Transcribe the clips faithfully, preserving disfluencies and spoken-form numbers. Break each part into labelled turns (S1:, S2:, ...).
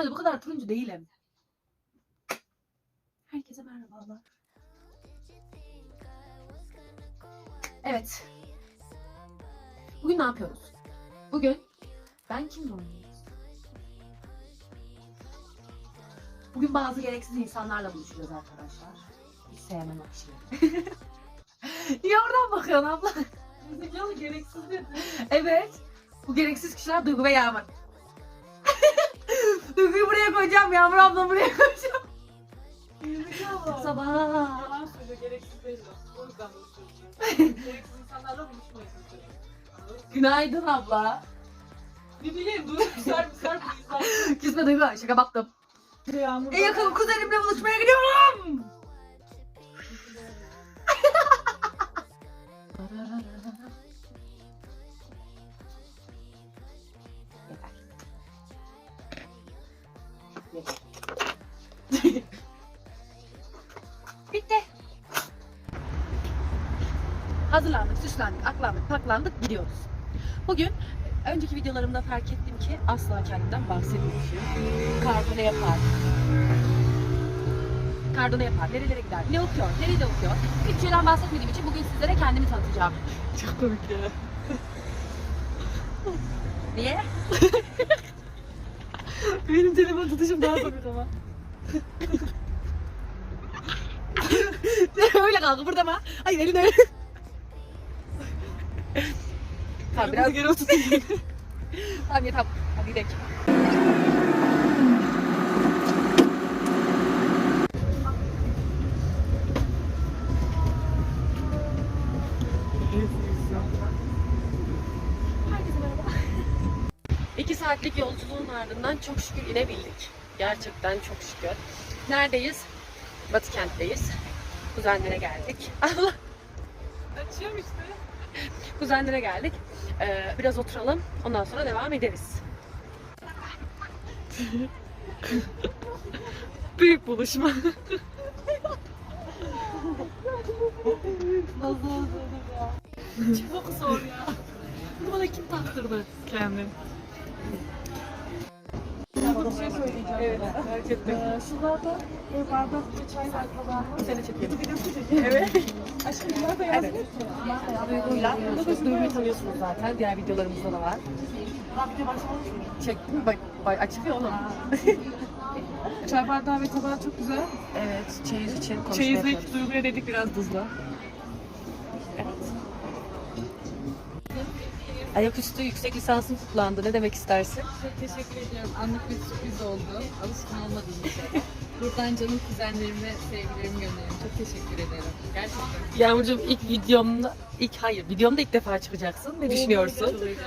S1: Normalde bu kadar turuncu değilim. Herkese merhabalar. Evet. Bugün ne yapıyoruz? Bugün ben kimle oynuyoruz? Bugün bazı gereksiz insanlarla buluşuyoruz arkadaşlar. Hiç sevmem o kişileri. Niye oradan bakıyorsun abla?
S2: Zekalı gereksiz dedi.
S1: Evet. Bu gereksiz kişiler Duygu ve Yağmur. Duygu'yu buraya koyacağım, Yağmur ablamı buraya koyacağım.
S2: Zekalı.
S1: Sabah.
S2: Yalan söylüyor, gereksiz değil o. O yüzden bunu söylüyorum. Gereksiz insanlarla buluşmayın.
S1: Günaydın abla.
S2: Ne bileyim, dur. Güzel güzel bir insan.
S1: Küsme Duygu, şaka baktım.
S2: Yağmur.
S1: En yakın kuzenimle buluşmaya gidiyorum. Bitti. Hazırlandık, süslendik, aklandık, paklandık, gidiyoruz. Bugün önceki videolarımda fark ettim ki asla kendimden bahsetmiyormuşum. Kardo ne yapar? Kardo ne yapar? Nerelere gider? Ne okuyor? Nerede okuyor? Hiçbir şeyden bahsetmediğim için bugün sizlere kendimi tanıtacağım.
S2: Çok komik ya.
S1: Niye?
S2: Benim telefon tutuşum daha komik ama.
S1: Öyle kalk burada mı? Hayır elini öyle. Tamam biraz
S2: geri oturtayım.
S1: Tamam yeter. Hadi gidelim. Herkese merhaba. İki saatlik yolculuğun ardından çok şükür inebildik. Gerçekten çok şükür. Neredeyiz? Batı kentteyiz. Kuzenlere geldik. Allah.
S2: Açıyorum işte.
S1: Kuzenlere geldik. Ee, biraz oturalım. Ondan sonra devam ederiz.
S2: Büyük buluşma.
S1: Nasıl oldu ya? Çok zor ya. Bunu bana kim taktırdı?
S2: Kendim. Bir şey söyleyeceğim. Evet, merak ettim. Ee, şurada bir bardakta çay var falan.
S1: Seni çekiyorum.
S2: Evet. Aşkım bunlar da yazmıyor
S1: Evet.
S2: ki.
S1: Duyguyla. Duyguyu tanıyorsunuz zaten. Diğer videolarımızda da var.
S2: Daha video başlamış mı?
S1: Çektim. Bak, bak açılıyor oğlum.
S2: Çay bardağı ve tabağı çok güzel.
S1: Evet. Çeyiz için konuşma
S2: Çeyizlik
S1: yapıyoruz.
S2: Duygu'ya dedik biraz tuzla.
S1: Evet. Ayaküstü yüksek lisansın kutlandı. Ne demek istersin?
S3: Çok teşekkür ediyorum. Anlık bir sürpriz oldu. Alışkın olmadığım bir şey. Buradan canım kuzenlerime sevgilerimi gönderiyorum. Çok teşekkür ederim. Gerçekten.
S1: Yağmurcuğum ilk videomda, ilk hayır videomda ilk defa çıkacaksın. Ne düşünüyorsun?
S3: Çok heyecanlıyım.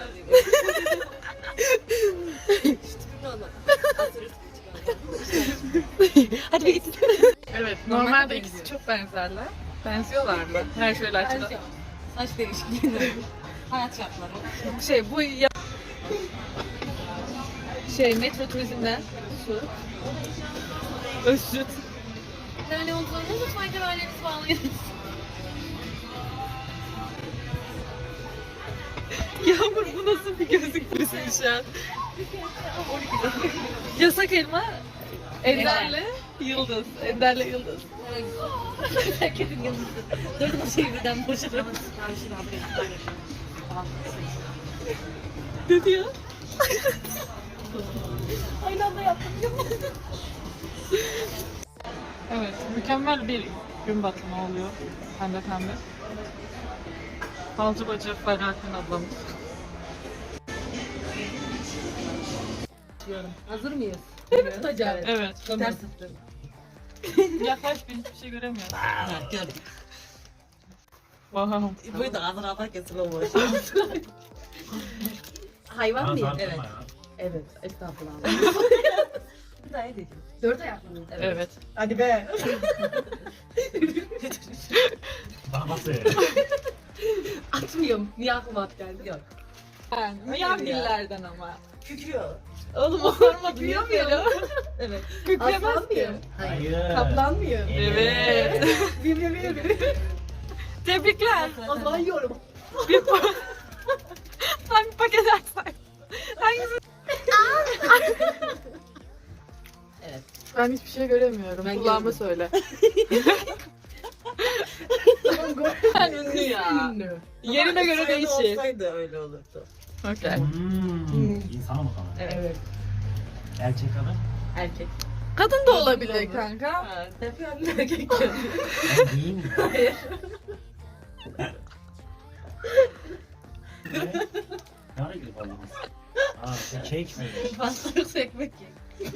S1: Hadi bir git.
S2: Evet,
S3: Normalde
S2: normalde ikisi
S3: benziyor.
S2: çok benzerler. Benziyorlar mı? Her şeyle açıdan.
S3: Saç değişikliği. Hayat şartları.
S2: Şey, bu ya... Şey, metro turizmden su. Özsüt.
S3: Yani olduğunu lütfen kemerlerinizi bağlayın.
S2: Yağmur bu nasıl bir gözlük turizmi şu an? Yasak elma, Ender'le Yıldız. Ender'le Yıldız.
S3: Herkesin yıldızı. Dört şey birden boşalır.
S2: Ne diyor?
S3: Aynı anda yaptım.
S2: Evet, mükemmel bir gün batımı oluyor. Pembe pembe. Balcı bacı Ferhat'ın ablamız.
S1: Hazır mıyız? Değil mi tutacağım?
S2: Evet.
S1: Ters tuttum.
S2: Yaklaş, ben hiçbir şey göremiyorum.
S4: Gördüm.
S2: Wow.
S4: Bu da ağzına atar kesilmiş.
S1: Hayvan mıyım?
S4: Evet.
S1: Evet. Evet. Estağfurullah. Dört ayaklı mıyız?
S2: Evet.
S4: Hadi be.
S5: Bana bak be.
S1: Atmıyorum. Niye aklıma at geldi? Yok.
S3: Ben Miyavgillerden ama.
S4: Kükrüyor.
S2: Oğlum o sorma
S1: Büyümüyorum.
S4: Evet.
S2: Kükremez ki.
S5: Hayır.
S4: Kaplanmıyor.
S2: Evet.
S4: Bilmiyorum.
S2: Tebrikler.
S4: O zaman yiyorum.
S2: Bir pa- Hangi paket açsak? Hangisi? Ben hiçbir şey göremiyorum.
S3: Ben
S2: Kulağıma
S3: gördüm.
S2: söyle.
S3: Sen ünlü ya.
S2: Ünlü. Yerine göre
S4: Sayıda
S2: değişir.
S4: olsaydı öyle olurdu.
S2: Okay.
S5: Hmm. İnsan mı kadın?
S3: Evet.
S5: Erkek kadın?
S3: Erkek.
S2: Kadın da olabilir kanka.
S3: Ha, tabii erkek ya.
S5: Ben değil mi? Ne? Ne ara gidip aldınız? Aa, şey kek mi?
S3: Pasta yoksa ekmek ye.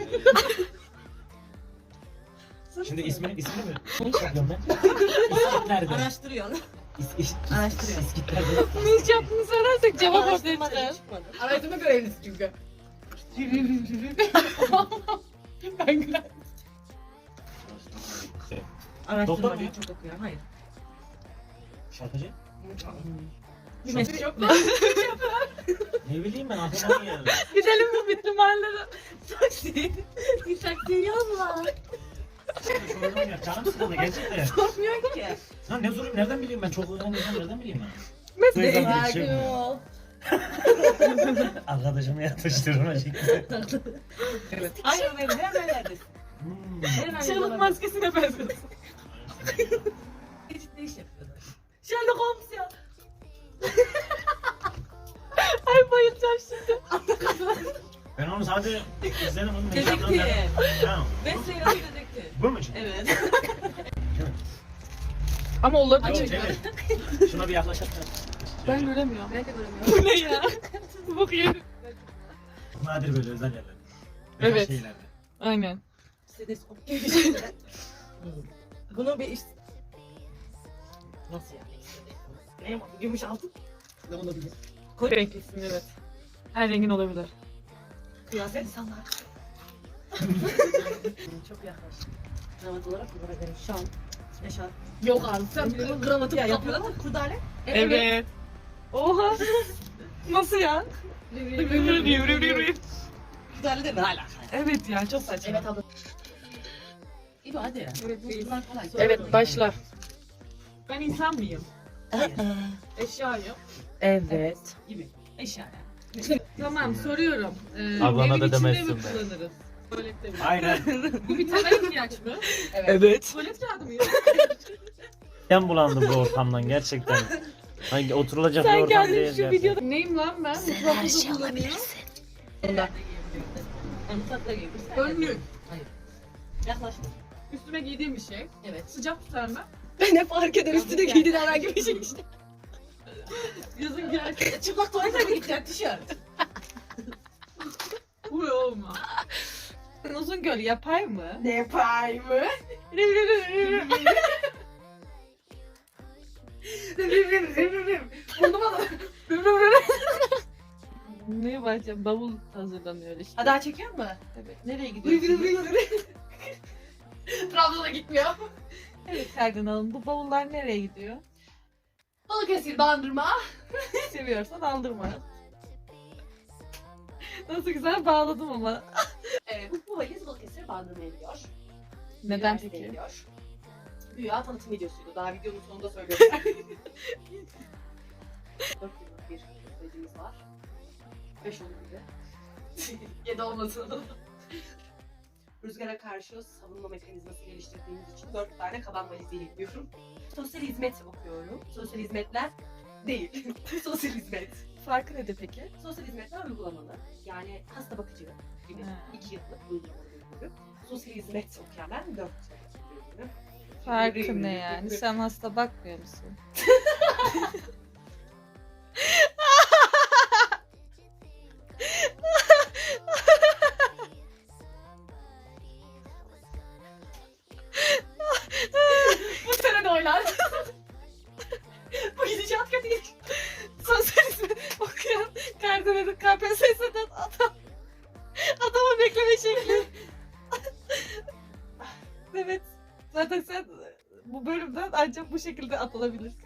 S5: Şimdi ismi, ismi mi? Ne iş yapıyorum ben? İskit nerede?
S4: Araştırıyorsun.
S5: İs, is,
S4: Araştırıyorum.
S5: İskit nerede?
S2: Ne iş yaptığını söylersek cevap ortaya
S4: Araştırmadan
S2: çıkar.
S4: çıkmadı.
S2: Araştırma görevlisi çünkü. Ben gülen.
S4: Araştırmadan
S5: muyum?
S4: çok okuyorum. Hayır.
S5: Şarkıcı?
S4: Bir meslek yok.
S5: Ne bileyim ben anlamadım yani.
S2: Gidelim mi bitti mahallede?
S4: Taksiye yazma.
S5: Sorun ya, canım sıkıldı gerçekten.
S4: Korkmuyor ki.
S5: Lan ne sorayım nereden bileyim ben? Çok öğrendiysem nereden bileyim ben?
S2: Mesleği.
S5: Duygudan
S4: Sakin
S5: geçiyorum.
S4: ol.
S5: Arkadaşımı yatıştırma şekli.
S4: Aynen öyle. Hemen neredesin?
S5: Hmm.
S4: Hemen
S2: Çığlık maskesine benziyorsun.
S4: Ciddi iş yapıyorlar. Sherlock Holmes ya.
S2: Ay bayılacağım şimdi.
S5: Ben onu sadece izledim onu.
S4: Dedektif.
S5: Ha,
S4: Mesleğin adı dedektif.
S5: bu mu şimdi?
S4: Evet.
S2: Ama olabilir.
S5: Yok,
S2: çünkü.
S5: evet. Şuna bir yaklaşalım.
S2: Ben göremiyorum.
S4: Ben de göremiyorum.
S2: Bu ne ya? Bu yerim.
S5: Nadir böyle özel yerler.
S2: Evet.
S5: Özel şeylerde.
S2: Aynen.
S4: Stetoskop gibi şeyler. Bunu bir iş... Nasıl yani? Ne yapalım? Gümüş altın. Ne olabilir?
S2: Renklisin evet. Her rengin olabilir.
S4: Kıyafet insanlar. Çok yaklaş. Kravat olarak bunlara göre şal, eşarp.
S2: Yok abi sen
S4: Sen kravatı ya yapıyorlar mı? Kurdale.
S2: Evet. Oha. Nasıl ya?
S4: Kurdale de ne alaka?
S2: Evet ya çok saçma.
S4: Evet abla. İyi hadi ya. Bunlar kolay.
S2: Evet başla. Ben insan mıyım? Eşyayım.
S4: Evet. Gibi. Eşya yani.
S2: Tamam soruyorum. Ee,
S5: Ablana
S2: evin
S5: da
S2: içinde
S5: demezsin
S2: mi
S5: be.
S2: kullanırız? Tuvalette mi?
S5: Aynen.
S2: Bu bir temel ihtiyaç mı?
S5: Evet.
S2: Tuvalet kağıdı mı?
S5: Ben bulandım bu ortamdan gerçekten. Hangi oturulacak bir
S2: Sen
S5: ortam
S2: kendin
S5: değil
S2: şu
S5: gerçekten.
S2: videoda... Neyim lan ben? Mutfakta da kullanıyorum.
S4: Bunda. Mutfakta giyebilirsin.
S2: Önlük.
S4: Yaklaşma.
S2: Üstüme giydiğim bir şey.
S4: Evet.
S2: Sıcak tutar mı?
S4: Ne fark eder üstüne giydin herhangi bir şey işte.
S2: Yazın giyerken.
S4: Çıplak tuvalete mi gideceksin tişört?
S2: Bu olma. Uzun göl yapay mı?
S4: Ne yapayım mı?
S2: Burnuma da. Neye başlayacağım? Bavul hazırlanıyor işte.
S4: Ha daha çekiyor mu?
S2: Evet. Nereye gidiyorsun? Trabzon'a gitmiyor. Evet Sergen Hanım bu bavullar nereye gidiyor? Balıkesir bandırma. Seviyorsan aldırma. Nasıl güzel bağladım ama.
S1: Evet, bu valiz Balıkesir bandırmaya gidiyor.
S2: Neden
S1: Güya
S2: peki?
S1: geliyor. Güya tanıtım videosuydu. Daha videonun sonunda söylüyorum. Dört yıllık bir sürecimiz var. Beş olabilir. Yedi olmasın. Rüzgara karşı savunma mekanizması geliştirdiğimiz için dört tane kaban valiziyle gidiyorum. Sosyal hizmet okuyorum. Sosyal hizmetler değil. Sosyal hizmet.
S2: Farkı nedir peki?
S1: Sosyal hizmetler uygulamalı. Yani hasta bakıcı gibi
S2: Ha.
S1: iki yıllık uygulamalı bir bölüm. Sosyal hizmet okuyan ben dört yıllık bir bölüm.
S2: Farkı ne yani? Sen hasta bakmıyor musun?
S1: Bu sene de oynar. Bu gidişat kötü değil.
S2: Sosyal hizmet okuyan Kardemir K P S S'den adam. Adamı bekleme şekli. Evet. Zaten sen bu bölümden ancak bu şekilde atılabilirsin.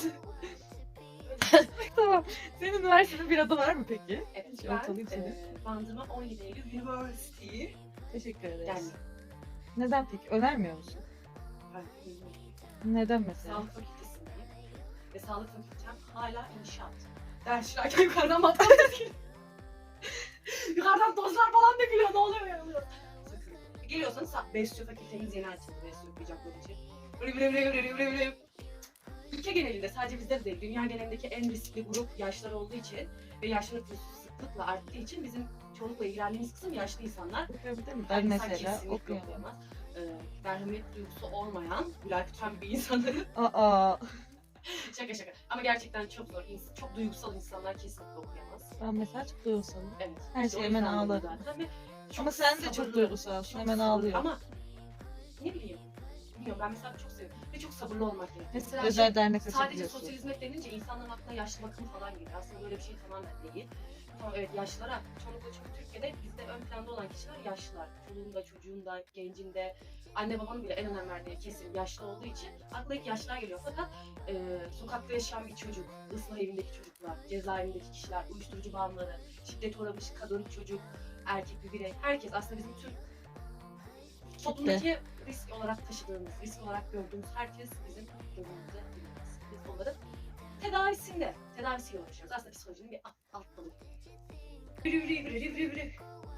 S2: Tamam. Senin üniversitede bir adı var mı peki?
S1: Evet,
S2: Şey,
S1: ben
S2: ortalayayım seni.
S1: e, Bandırma on yedi Eylül University.
S2: Teşekkür ederiz.
S1: Yani
S2: Neden peki? Önermiyor musun?
S1: ben
S2: Neden mesela?
S1: sağlık fakültesindeyim. Ve sağlık fakültem hala inşaat. Ders şirayken yukarıdan matematik. Yukarıdan tozlar falan dökülüyor. Ne oluyor ya? Oluyor. Sakın.
S4: Geliyorsanız sa- besliyor fakültemiz yeni açıldı besliyor okuyacaklar için. Böyle böyle böyle böyle böyle böyle. Ülke genelinde sadece bizde de değil, dünya genelindeki en riskli grup yaşlar olduğu için ve yaşlı nüfusu sıklıkla arttığı için bizim çoğunlukla ilgilendiğimiz kısım yaşlı insanlar.
S2: Okuyabilir mi?
S4: Yani
S2: Ben
S4: insan
S2: mesela
S4: kesinlikle
S2: okuyamam.
S4: okuyamaz. Ee, merhamet duygusu olmayan, Gülay Kütüphan bir insanların
S2: Aa,
S4: şaka şaka. Ama gerçekten çok zor. İns- çok duygusal insanlar kesinlikle okuyamaz.
S2: ben mesela çok duygusalım.
S4: Evet.
S2: Her
S4: işte o
S2: şey hemen
S4: yüzden dedim
S2: ağlarım.
S4: zaten ve çok
S2: Ama sen de çok
S4: sabırlı,
S2: duygusalsın,
S4: çok
S2: hemen
S4: sabırlı.
S2: ağlıyorsun.
S4: Ama ne bileyim. Bilmiyorum ben mesela çok seviyorum. Ve çok sabırlı olmak gerekiyor. Mesela
S2: Özel
S4: şey,
S2: dernek
S4: sadece
S2: açabiliyorsun.
S4: sosyal hizmet denince insanların aklına yaşlı bakım falan geliyor. Aslında böyle bir şey tamamen değil. Tamam evet yaşlılara, çoğunlukla çünkü Türkiye'de bizde ön planda olan kişiler yaşlılar. Çoluğunda, çocuğunda, gencinde, anne babanın bile en önem verdiği kesim yaşlı olduğu için akla ilk yaşlılar geliyor. Fakat e, sokakta yaşayan bir çocuk, ıslah evindeki çocuklar, cezaevindeki kişiler, uyuşturucu bağımlıları, şiddet uğramış kadın, çocuk, erkek bir birey, herkes aslında bizim tüm toplumdaki risk olarak taşıdığımız, risk olarak gördüğümüz herkes bizim önümüze girmez. Biz onların tedavisinde, tedavisiyle uğraşıyoruz. Aslında psikolojinin bir alt, alt dalı. Biri biri biri biri biri.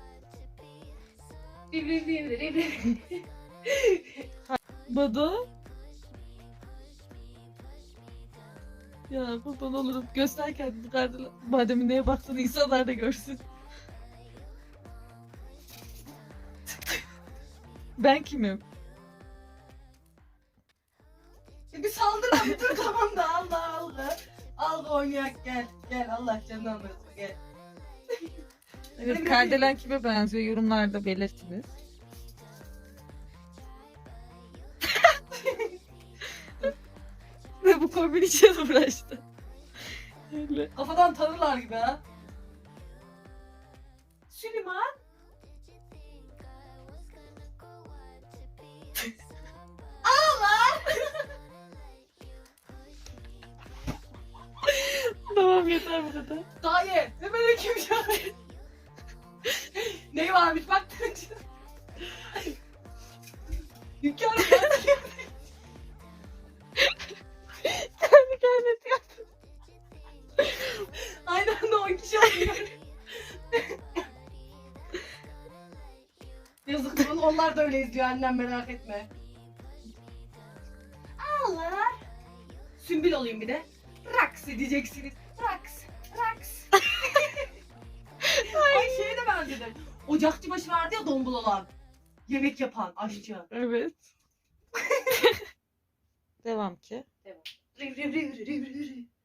S4: Biri biri biri biri biri.
S2: Bado. Ya kurban olurum. Göster kendini kardeşim. Madem neye baktığını insanlar da görsün. Ben kimim?
S4: E bir saldırma bir dur tamam da Allah Allah. Al da oynayak gel. Gel Allah canını almasın gel.
S2: Evet, Kardelen kime benziyor? Yorumlarda belirtiniz. Ve bu kombin için uğraştı. Öyle.
S4: Kafadan tanırlar gibi ha. Süleyman.
S2: Tamam yeter bu kadar.
S4: Dayı. Ne böyle kim ya? Ne varmış bak. Hünkârım ya.
S2: Kendi kendine yaptı.
S4: Aynı anda on kişi oluyor. Yazık bunu onlar da öyle izliyor annem merak etme. Allah. Sümbül olayım bir de. Raks diyeceksiniz. Raks. Raks. Ay şeye de benzedim. Ocakçı başı vardı ya dombul olan. Yemek yapan aşçı.
S2: Evet. Devam ki.
S4: Riv riv riv riv riv riv.